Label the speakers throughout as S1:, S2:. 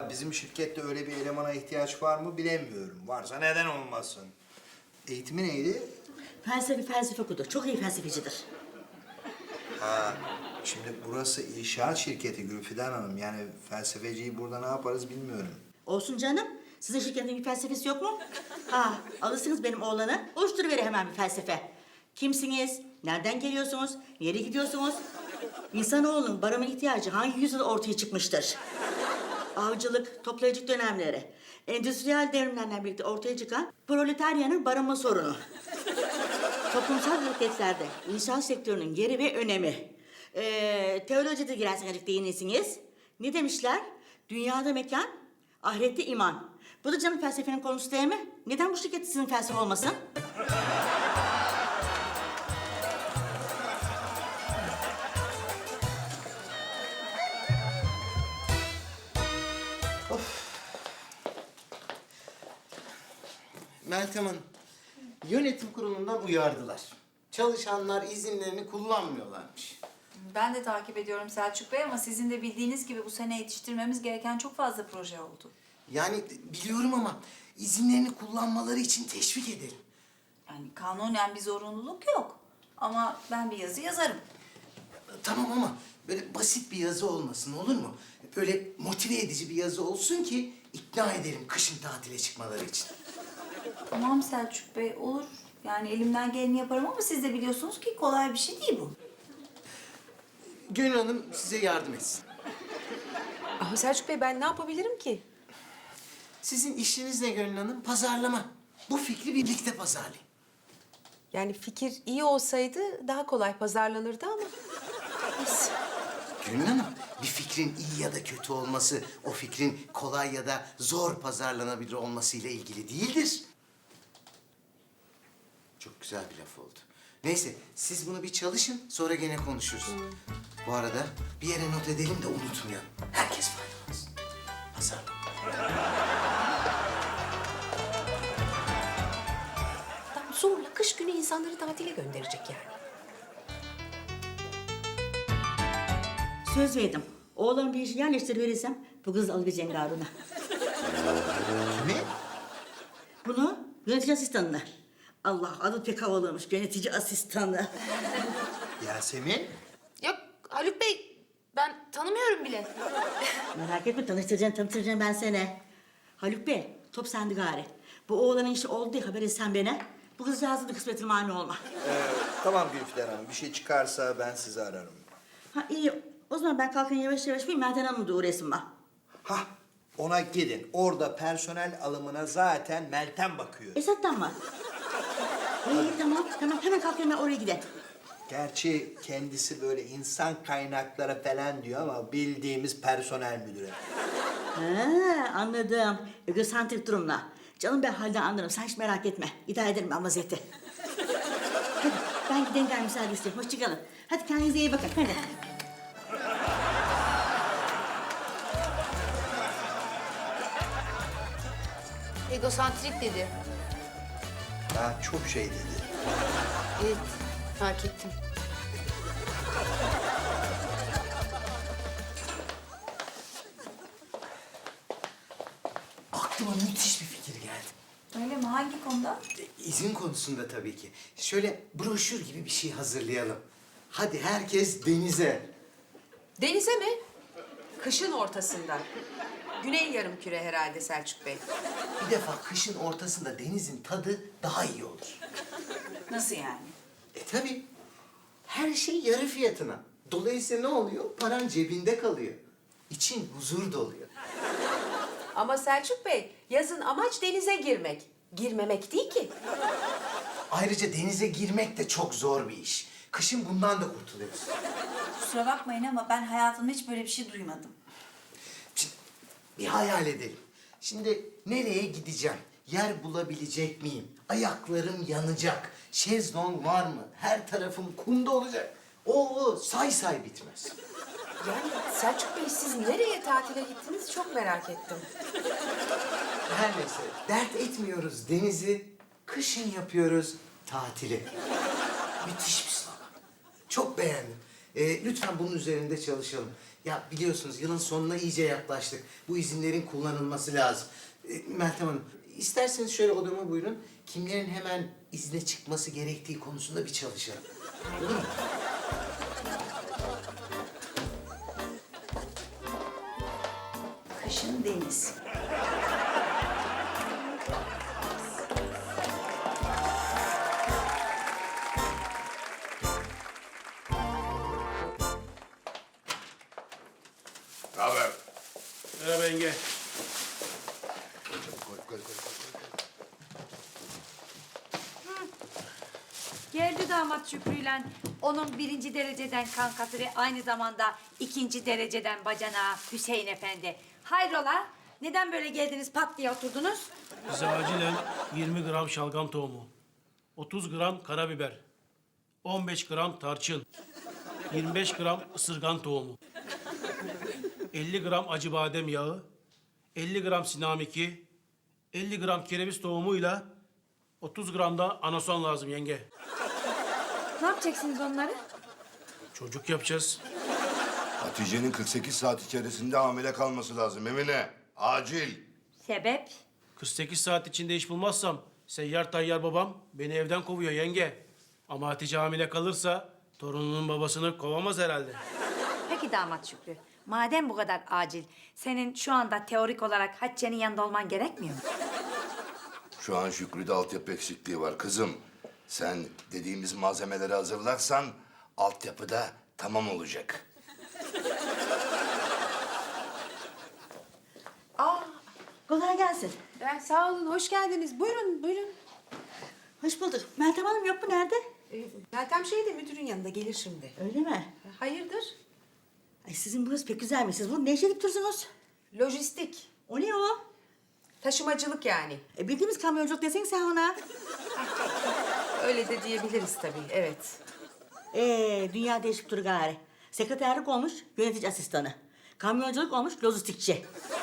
S1: Vallahi bizim şirkette öyle bir elemana ihtiyaç var mı bilemiyorum. Varsa neden olmasın? Eğitimi neydi?
S2: Felsefe okudu. Çok iyi felsefecidir.
S1: Ha, şimdi burası inşaat şirketi Gülfidan Hanım. Yani felsefeciyi burada ne yaparız bilmiyorum.
S2: Olsun canım. Sizin şirketin bir felsefesi yok mu? Ha, alırsınız benim oğlanı. Oluşturuverir hemen bir felsefe. Kimsiniz? Nereden geliyorsunuz? Nereye gidiyorsunuz? İnsanoğlunun barınma ihtiyacı hangi yüzyılda ortaya çıkmıştır? Avcılık, toplayıcılık dönemleri, endüstriyel devrimlerle birlikte ortaya çıkan proletaryanın barınma sorunu. Toplumsal hareketlerde inşaat sektörünün yeri ve önemi. Teolojide girerseniz değinirsiniz. Ne demişler? Dünyada mekan, ahirette iman. Bu da canım felsefenin konusu değil mi? Neden bu şirket sizin felsefe olmasın?
S3: Meltem Hanım, yönetim kurulundan uyardılar. Çalışanlar izinlerini kullanmıyorlarmış.
S4: Ben de takip ediyorum Selçuk Bey ama sizin de bildiğiniz gibi bu sene yetiştirmemiz gereken çok fazla proje oldu.
S3: Yani biliyorum ama izinlerini kullanmaları için teşvik edelim.
S4: Yani kanunen bir zorunluluk yok. Ama ben bir yazı yazarım.
S3: Tamam ama böyle basit bir yazı olmasın, olur mu? Böyle motive edici bir yazı olsun ki ikna edelim kışın tatile çıkmaları için.
S4: Tamam Selçuk Bey olur. Yani elimden geleni yaparım ama siz de biliyorsunuz ki kolay bir şey değil bu.
S3: Gönül Hanım size yardım etsin.
S5: Ama Selçuk Bey ben ne yapabilirim ki?
S3: Sizin işiniz ne Gönül Hanım? Pazarlama. Bu fikri birlikte pazarlayın.
S5: Yani fikir iyi olsaydı daha kolay pazarlanırdı ama. Neyse.
S3: Gönül Hanım, bir fikrin iyi ya da kötü olması, o fikrin kolay ya da zor pazarlanabilir olmasıyla ilgili değildir. Çok güzel bir laf oldu. Neyse, siz bunu bir çalışın, sonra gene konuşuruz. Bu arada bir yere not edelim de unutmayalım. Herkes faydalansın. Pazarlama.
S5: Adam zorla kış günü insanları tatile gönderecek yani.
S2: Söz verdim. Oğlan bir işi yerleştiriverirsem bu kızı alabileceğim Harun'a.
S1: Kimi?
S2: Bunu yönetici asistanına. Allah adı pek havalıymış yönetici asistanı.
S1: Yasemin?
S6: Yok Haluk Bey, ben tanımıyorum bile.
S2: Merak etme tanıştıracağım ben seni. Haluk Bey top sende gari. Bu oğlanın işi oldu diye haber etsen bana. Bu kızcağızın da kısmetine mani olma.
S1: Tamam Gülfidan Hanım. Bir şey çıkarsa ben sizi ararım.
S2: Ha iyi o zaman ben kalkayım yavaş yavaş bir Meltem Hanım'ı da uğrayasın bak.
S1: Hah, ona gidin. Orada personel alımına zaten Meltem bakıyor.
S2: Esat'tan mı? İyi tamam hemen kalkıyorum ben oraya gidelim.
S1: Gerçi kendisi böyle insan kaynakları falan diyor ama bildiğimiz personel müdürü.
S2: Ha anladım. Egosantrik durumla. Canım ben halden anlarım sen hiç merak etme. İdare ederim ben vaziyeti. Hadi ben gideyim gel müsaade isteyeyim. Hoşçakalın. Hadi kendinize iyi bakın hadi.
S6: Egosantrik dedi.
S1: Daha çok şey dedi.
S6: Evet, fark ettim.
S3: Aklıma müthiş bir fikir geldi.
S4: Öyle mi? Hangi konuda?
S3: İzin konusunda tabii ki. Şöyle broşür gibi bir şey hazırlayalım. Hadi herkes denize.
S5: Denize mi? Kışın ortasında. Güney yarımküre herhalde Selçuk Bey.
S3: Bir defa kışın ortasında denizin tadı daha iyi olur.
S4: Nasıl yani?
S3: Tabii. Her şey yarı fiyatına. Dolayısıyla ne oluyor? Paran cebinde kalıyor. İçin huzur doluyor.
S5: Ama Selçuk Bey yazın amaç denize girmek. Girmemek değil ki.
S3: Ayrıca denize girmek de çok zor bir iş. Kışın bundan da kurtuluyoruz.
S4: Kusura bakmayın ama ben hayatımda hiç böyle bir şey duymadım.
S3: Şimdi bir hayal edelim. Şimdi nereye gideceğim? Yer bulabilecek miyim? Ayaklarım yanacak. Şezlong var mı? Her tarafım kumda olacak. O say bitmez.
S5: Yani Selçuk Bey siz nereye tatile gittiniz çok merak ettim.
S3: Her neyse dert etmiyoruz denizi. Kışın yapıyoruz tatili. Müthiş bir slogan. Çok beğendim. Lütfen bunun üzerinde çalışalım. Ya biliyorsunuz yılın sonuna iyice yaklaştık. Bu izinlerin kullanılması lazım. Meltem Hanım, isterseniz şöyle odama buyurun. Kimlerin hemen izne çıkması gerektiği konusunda bir çalışalım. Olur mu?
S4: Kışın deniz.
S7: Ne haber?
S8: Merhaba yenge.
S9: Geldi damat Şükrü'yle onun 1. dereceden kankası ve aynı zamanda 2. dereceden bacanağı Hüseyin Efendi. Hayrola? Neden böyle geldiniz pat diye oturdunuz?
S8: Bize acilen 20 gram şalgam tohumu, 30 gram karabiber, 15 gram tarçın, 25 gram ısırgan tohumu, 50 gram acı badem yağı, 50 gram sinamiki, 50 gram kereviz tohumuyla 30 gram da anason lazım yenge.
S9: Ne yapacaksınız onları?
S8: Çocuk yapacağız.
S7: Hatice'nin 48 saat içerisinde hamile kalması lazım Emine. Acil.
S9: Sebep?
S8: 48 saat içinde iş bulmazsam seyyar tayyar babam beni evden kovuyor yenge. Ama Hatice hamile kalırsa torununun babasını kovamaz herhalde.
S9: Peki damat Şükrü, madem bu kadar acil, senin şu anda teorik olarak Hatice'nin yanında olman gerekmiyor mu?
S7: Şu an Şükrü'de altyapı eksikliği var kızım. Sen dediğimiz malzemeleri hazırlarsan altyapı da tamam olacak.
S2: Kolay gelsin.
S5: Sağ olun, hoş geldiniz. Buyurun, buyurun.
S2: Hoş bulduk. Meltem Hanım yok mu? Nerede?
S5: Meltem de müdürün yanında gelir şimdi.
S2: Öyle mi?
S5: Hayırdır?
S2: Ay sizin burası pek güzelmiş. Siz burada ne iş edip dursunuz?
S5: Lojistik,
S2: O ne o?
S5: taşımacılık yani.
S2: Bildiğimiz kamyonculuk desene sen ona.
S5: Öyle de diyebiliriz tabii, evet.
S2: Dünya değişip dur gari. Sekreterlik olmuş yönetici asistanı. Kamyonculuk olmuş lojistikçi.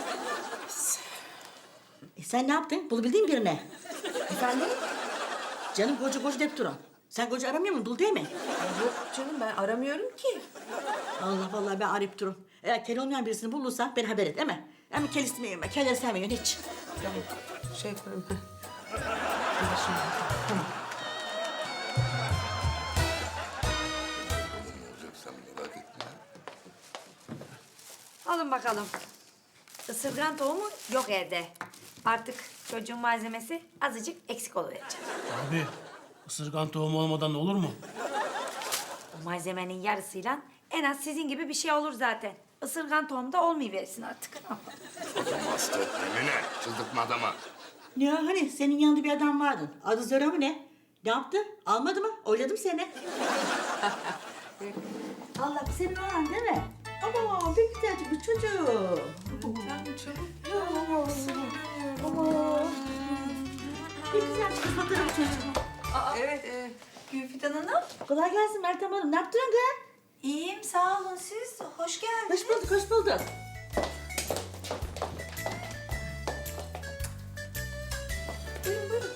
S2: Sen ne yaptın? Bulabildin birine.
S5: Efendim?
S2: Canım koca deyip durun. Sen koca aramıyor musun? Dul değil mi?
S5: Yok canım, ben aramıyorum ki.
S2: Allah vallahi ben arayıp durun. Eğer kel olmayan birisini bulursan beni haber et değil mi? Ama kel istemiyorum ben. Kelleri sevmiyorum hiç.
S5: Tamam, şey yaparım. Gelir şimdi. Tamam.
S7: Ne olacak sen merak etme.
S9: Alın bakalım. Isırgan tohumu yok evde. Artık çocuğun malzemesi azıcık eksik oluverecek.
S8: Abi ısırgan tohumu olmadan olur mu?
S9: O malzemenin yarısıyla en az sizin gibi bir şey olur zaten. Isırgan tohumu da olmayıversin artık.
S7: Adam hasta. Emine çıldırtma adamı.
S2: Ya hani senin yanında bir adam vardı. Adı Zora mı ne? Ne yaptı? Almadı mı? Oyladım seni. Allah bu senin olan değil mi? Ama ne güzelcik bir çocuk. Ama ne güzelcik bir fotoğraf çocuğu.
S5: Evet,
S4: Gülfidan Hanım.
S2: Kolay gelsin Meltem Hanım. Ne yaptın kız?
S4: İyiyim, sağ olun siz. Hoş geldiniz.
S2: Hoş bulduk, hoş bulduk. Buyurun, buyurun.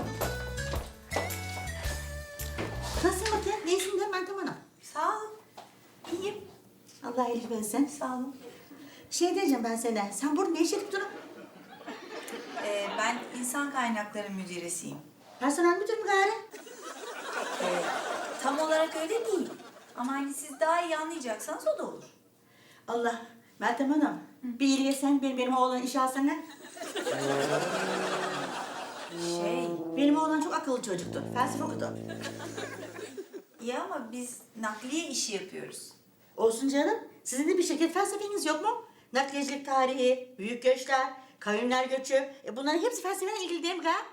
S2: Nasılsın Mete? İyisin de Meltem Hanım?
S4: Sağ olun. İyiyim.
S2: Allah iyilik versin.
S4: Sağ olun.
S2: Şey diyeceğim ben sana. Sen burada ne iş edip durun?
S4: Ben insan kaynakları müdüresiyim.
S2: Personel müdür mü gari?
S4: Tam olarak öyle değil. Ama hani siz daha iyi anlayacaksanız o da olur.
S2: Allah. Meltem Hanım. Bir iyiliğe sen benim oğlan işe alsana. Benim oğlan çok akıllı çocuktu. Felsefe okudu.
S4: İyi ama biz nakliye işi yapıyoruz.
S2: Olsun canım. Sizin de bir şirket felsefeniz yok mu? Nakliyecilik tarihi, büyük göçler, kavimler göçü. Bunların hepsi felsefeyle ilgili değil mi gari?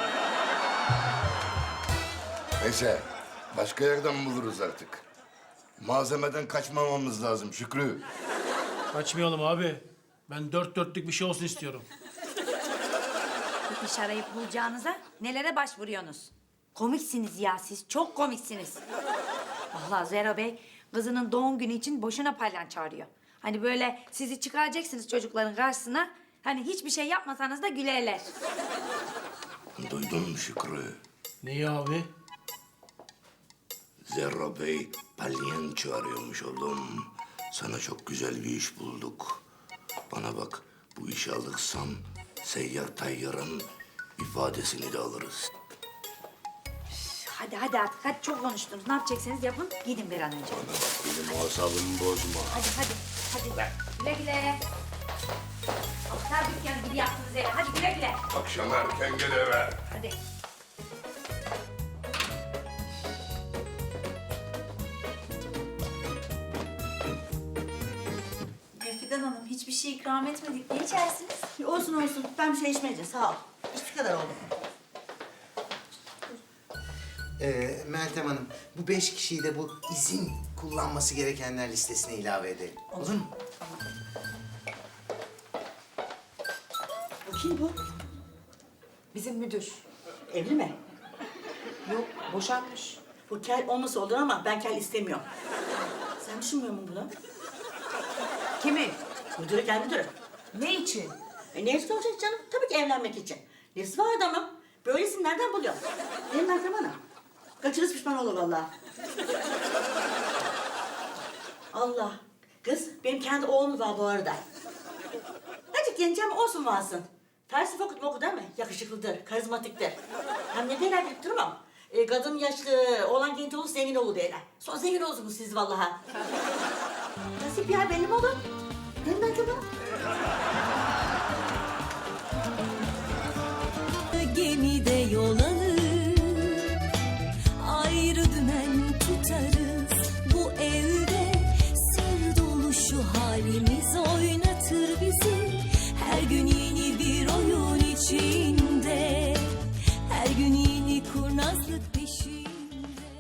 S7: Neyse başka yerden buluruz artık. Malzemeden kaçmamamız lazım Şükrü.
S8: Kaçmayalım abi. Ben dört dörtlük bir şey olsun istiyorum.
S9: Bir iş arayıp bulacağınıza nelere başvuruyorsunuz? Komiksiniz ya siz, çok komiksiniz. Vallahi Zero Bey kızının doğum günü için boşuna palyan çağırıyor. Hani böyle sizi çıkaracaksınız çocukların karşısına. Hani hiçbir şey yapmasanız da gülerler.
S7: Duydun mu Şükrü?
S8: Neyi abi?
S7: Zerro Bey palyanço arıyormuş oğlum. Sana çok güzel bir iş bulduk. Bana bak, bu işi alırsam seyyar tayyarın ifadesini de alırız.
S9: Hadi hadi artık. Hadi çok konuştunuz. Ne yapacaksınız yapın. Gidin bir an önce.
S7: Bana bak, benim asabımı bozma.
S9: Hadi hadi. Hadi. Güle güle. Aptal dükkanı gibi yaptınız eve. Hadi güle güle.
S7: Akşam erken gel eve.
S9: Hadi.
S4: Fidan Hanım hiçbir şey ikram etmedik. Ne içersiniz?
S2: Olsun olsun. Ben bir şey içmeyeceğim. Sağ ol. İşte kadar oldu.
S3: Meltem Hanım, bu 5 kişiyi de bu izin kullanması gerekenler listesine ilave edelim. Olur mu?
S2: Bu kim bu?
S5: Bizim müdür.
S2: Evli mi?
S5: Yok, boşanmış.
S2: Bu kel olması olur ama ben kel istemiyorum. Sen düşünmüyor musun bunu?
S5: Kimi?
S2: Müdürü, kel müdürü.
S5: Ne için?
S2: Neyse olacak canım? Tabii ki evlenmek için. Nesi var adamın? Böylesini nereden buluyor? Benim Meltem Hanım. Kaçırız pişman olur vallahi. Allah. Kız, benim kendi oğlum var bu arada. Azıcık genç ama olsun varsın. Felsefe okudu değil mi? Yakışıklıdır, karizmatiktir. Hem ne derler bilip durmam. Kadın yaşlı, oğlan genç olur, zengin olur derler. Sonra zengin olursunuz siz vallahi. Nasip ya belli mi olur? Değil mi Meltem Hanım?